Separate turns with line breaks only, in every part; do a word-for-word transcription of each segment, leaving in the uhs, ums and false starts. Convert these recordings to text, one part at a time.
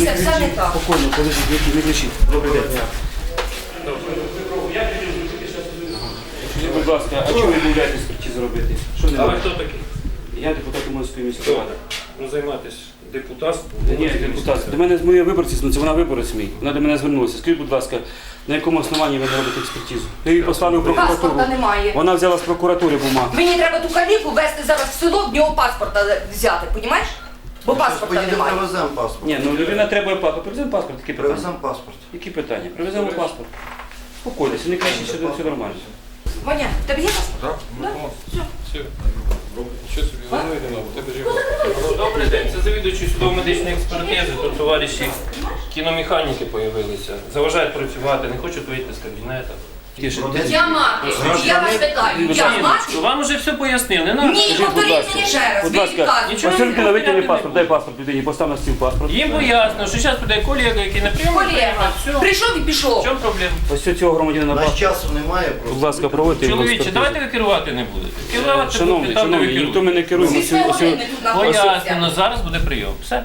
Дивіться, все не так.
Спокійно, подождіть, не кричіть. Добрий день. Скажіть, будь ласка, а чому ви відмовляєтесь експертизу робити? Що не
А ви
робите?
хто такий?
Я депутат Уманської міської ради.
Ну, займатися депутатством.
Ні, депутат, до мене моя виборці, це вона виборець мій. Вона до мене звернулася. Скажіть, будь ласка, на якому основанні ви не робите експертизу? Ви її послали в прокуратуру.
Паспорта немає.
Вона взяла з прокуратури бумагу.
Мені треба ту каліку везти зараз в село, в нього паспорта взяти, розумієш? Бо паспорта
Поїдемо,
немає.
привеземо паспорт.
Ні, ну людина треба паспорт. Привеземо паспорт, які питання?
Привеземо паспорт.
Які питання? Привеземо паспорт. Спокойтеся, не кричіть, що все нормально.
Ваня, в тебе є паспорт?
Так?
Да?
Все. Що собі головою не мав? Тебе ж Добрий день, це завідуючий судово-медичної експертизи. Тут товариші кіномеханіки з'явилися. Заважають працювати, не хочуть вийти з кабінету.
Я мати. Я вас питаю. Я мати?
Вам уже все пояснили, не надо.
Ні,
Скажіть, будь
повторіть
ласка,
мені ще раз.
будь
Ви
ласка,
відказуєте.
Нічого
Василь
не
Микола, витягни
не
паспорт,
буде.
дай паспорт людині, постав на стіл паспорт.
Їм пояснено, що зараз буде колега, який не прийме.
Колега,
Все.
прийшов і
В
пішов.
чому проблема?
Ось цього громадянина
У нас
паспорт.
часу немає
Будь
просто.
ласка, проводьте його
Чоловіче,
експертизу.
давайте ви керувати не будете. Керувати
Шановний,
будете там, де ви
шановний, ніхто ми
керуєте.
не керуємо.
Зі
Ось- ось-
години тут знаходиться.
Пояснено, зараз буде прийом. Все.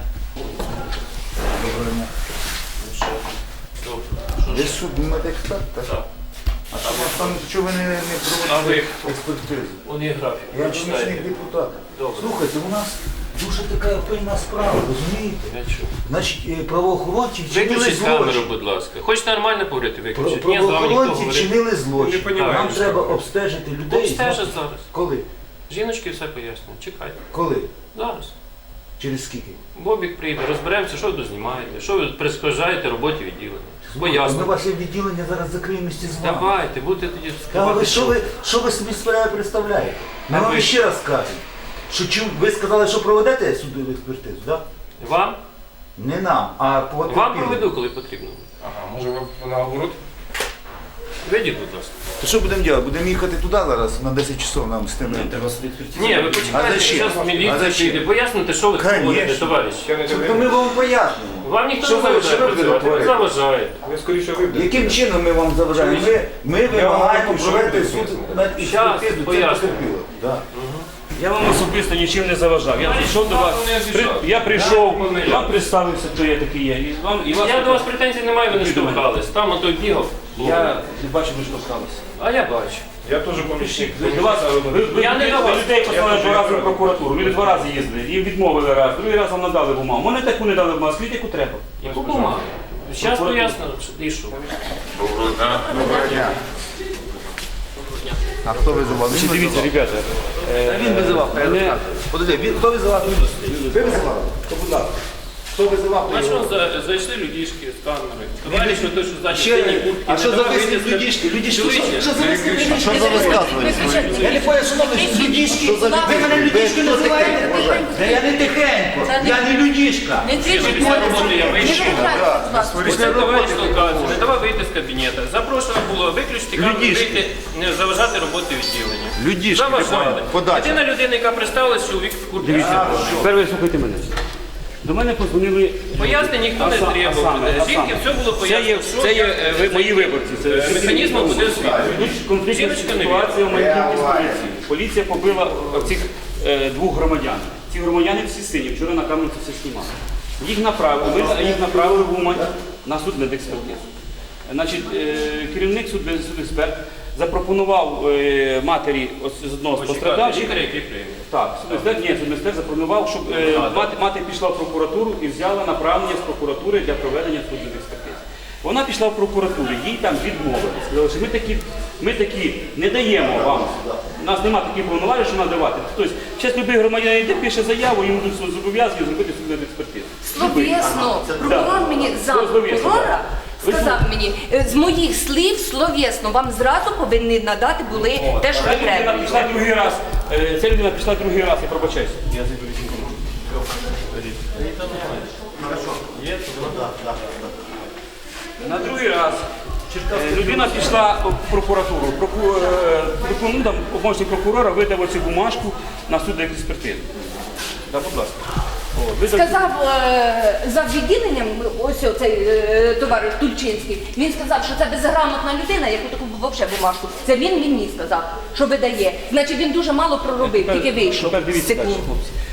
Ви суд не медексперт, так?
Так.
А що у вас там, чого ви не, не
А ви
проводите
хто?
експертизу?
Он є графік.
Я
Прочитайте.
помічник депутата.
Добре.
Слухайте, у нас дуже така пильна справа, розумієте?
Я чую.
Значить, е, правоохоронці вчинили
Виключіть камеру,
злочин.
будь ласка. Хочете нормально говорити,
Про-
виключіть. Ні, з вами ніхто
Правоохоронці
говорити.
вчинили злочин.
Не понімаю,
Нам
що
треба
робити.
обстежити людей.
Обстежать зараз.
Коли?
Жіночки все пояснюють. Чекайте.
Коли?
Зараз.
Через скільки?
Бобік прийде, розберемося, що ви тут знімаєте, що ви тут перешкоджаєте роботі відділення.
Ми
Поясню.
ваше відділення зараз закриємо місті з вами.
Давайте, будете тоді
Та ви
сказати,
що ви, що ви собі справи представляєте? Ми
А
вам
ви?
ще раз кажемо, що чим ви сказали, що проведете судову експертизу, так?
Вам?
Не нам, а по
Вам
потерпілим.
проведу, коли потрібно.
Ага, може ви наоборот?
Вийдіть, будь ласка.
То що будемо робити? Будемо їхати туди зараз на десять часов нам з тими.
Ні, ви
А
почекайте,
зачем?
зараз
А
міліція
зачем?
прийде. Поясните, що ви
Конечно.
говорите, товариш.
Я не
То
дивлюсь.
ми вам пояснимо.
Вам ніхто
Що
не
ви-
заважає
що ви будете
працювати, ви
говорити?
заважаєте.
Ви скоріше виберете.
Яким чином ми вам заважаємо? Ми, ми вимагаємо
вам
провести
що ви
суд
будете?
над
Щас,
експертизу цих
поясню.
потерпілих. Да.
Я вам особисто нічим не заважав. Я прийшов до вас,
не
при-
обіжав.
я прийшов,
Я не
вам представився, хто я такий є. І вам, і вас
Я до вас претензій не маю, ви не
Ідіть до мене.
штовхались. Там ото бігав.
Я не бачу, ви штовхалися.
А я бачу.
Я теж помічник.
До вас, ви, ви,
Я не
ви-
до
ви
вас.
людей послали
Я
два рази
теж
в прокуратуру, люди два рази їздили, їм відмовили раз, другий раз вам надали бумагу. Мене таку не дали бумагу, скажіть, яку треба.
Яку бумагу? Зараз поясню, і що.
А хто визивав?
Чи дивіться, ребята, е,
Він визивав.
мене-
Подожди, він, хто визивав? Ви визивали? То, будь ласка. Хто визивав?
Бачиш, вон за- зайшли людішки з камери. Товариш, той, що ззаді
Ще,
синій куртки.
а що
не
за
давав
вислів
вийти з
людішки? Людішки, що,
Чоловіче,
що за вислів людішки?
Що за висказування?
Я не понял, що ви людішки. Ви мене людішки називаєте? Та я не тихенько, я не людішка.
Не кричіть,
Після роботи я вийшов.
не
Оце товариш толкався, не давав вийти з кабінету. Запрошено було виключити камеру,
Людішки.
вийти, не заважати роботі відділення.
Людішки,
Заважали.
ти понял? Подача.
Єдина людина, яка представилась, чоловік в куртці.
Дивіться, тепер ви слухайте мене. До мене позвонили.
Пояснень ніхто не
А сам- а
требував.
саме, а
Жінки
саме.
все було
Це є,
пояснено. що
це є
як-
е, ви- мої виборці. Це
Механізмом буде освітлено.
Тут конфліктна
Жіночка не
ситуація в Маньківці з поліцією. Поліція побила цих е, двох громадян. Ці громадяни всі сині, вчора на камеру це все знімали. Їх направили, ми їх направили в Умань на судмедекспертизу. Значить, е, керівник судмедексперт запропонував е, матері ось з одного з
Почекайте,
пострадавших.
лікаря, який прийме.
Так, судмедексперт, ні, судмедексперт запропонував, щоб е, мати, мати пішла в прокуратуру і взяла направлення з прокуратури для проведення судмедекспертизи. Вона пішла в прокуратуру, їй там відмовили. Сказали, що ми такі, ми такі не даємо вам. У нас немає таких повноважень, що надавати. Тобто, зараз любий громадянин йде, пише заяву, йому будуть зобов'язані зробити судмедекспертизу.
Словесно. Прокурор мені за
Словесно,
прокурора
Ви
сказав мені, е, з моїх слів словесно, вам зразу повинні надати були те, що ви
Ця людина
треба.
пішла другий раз, е, ця людина пішла другий раз, я пробачаюся. Я зайду візьму. На другий раз е, людина пішла в прокуратуру. Проку, е, проку- ну, там, помічник прокурора видав оцю бумажку на судекспертизу. Так, будь ласка. О, видав-
Сказав е, за відділенням, ось цей е, товариш Тульчинський, він сказав, що це безграмотна людина, яку таку взагалі бумажку. Це він мені сказав, що видає. Значить, він дуже мало проробив,
Тепер-
тільки вийшов.
Тепер
з
дивіться далі,
секунд.
хлопці.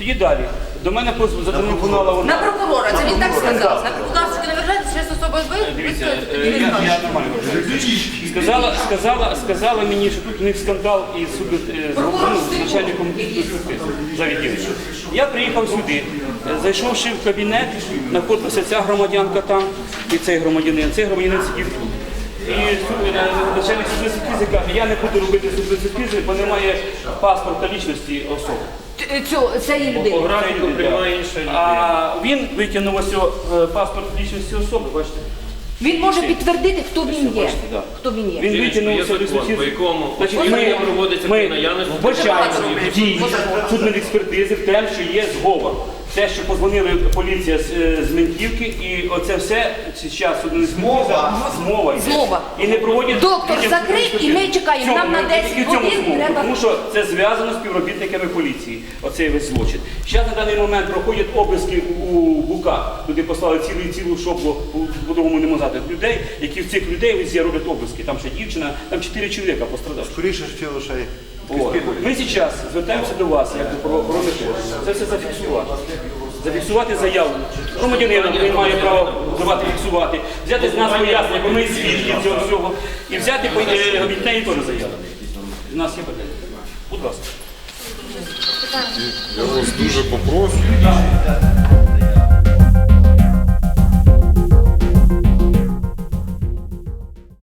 Тоді далі. До мене поз- зателефонувала
На
вона.
прокурора, це він так сказав. На прокурора, що не вважаєте, що з особою ви,
Дивіться,
ви
е,
тоді
я,
не
я
знаєте.
нормально вважаю. Сказала, сказала, сказала мені, що тут у них скандал із суду, е, з ну, з начальником за відділення. Я приїхав сюди, е, зайшовши в кабінет, знаходилася ця громадянка там і цей громадянин. Цей громадянин сидів тут. І су- е, начальник судової каже, я не буду робити судової, бо немає паспорта лічності особи.
Т- Цю, цієї
По
людини.
графіку приймає інша людина.
А він витягнув ось о, е, паспорт лічності особи, бачите?
Він може підтвердити, хто він є.
Бачите, да.
Хто він є.
Він
Жіночко,
витягнув
є
ось о
закон,
листочок.
по якому
Значить,
оформлення
ми-
проводиться
ми
при наявності
вбачаємо
доказів.
дії судної експертизи в те, що є зговор. Те, що позвонили поліція з, е, з Ментівки, і оце все зараз судна експертиза змова. йде.
Змова.
І не проводять.
Доктор
відділ
закрив,
судової
і ми
експертизи.
чекаємо.
В цьому,
Нам на
ну,
десять
тільки в цьому
годин
змова,
треба-
Тому що це зв'язано з співробітниками поліції, оцей весь злочин. Зараз на даний момент проходять обиски у Буках. Туди послали цілу цілу шоблу, по-другому не можна сказати, людей, які в цих людей везде роблять обиски. Там ще дівчина, там чотири чоловіка пострадали.
Скоріше ж тіло ще й.
От. Ми зараз звертаємося до вас, як до правоохоронних органів. Це все зафіксувати. Зафіксувати заяву. Громадянина він має право давати фіксувати, взяти з нас пояснення, бо ми свідки цього всього, і взяти по- е, від неї теж заяву. У нас є питання. Будь ласка.
Я вас дуже попрошу.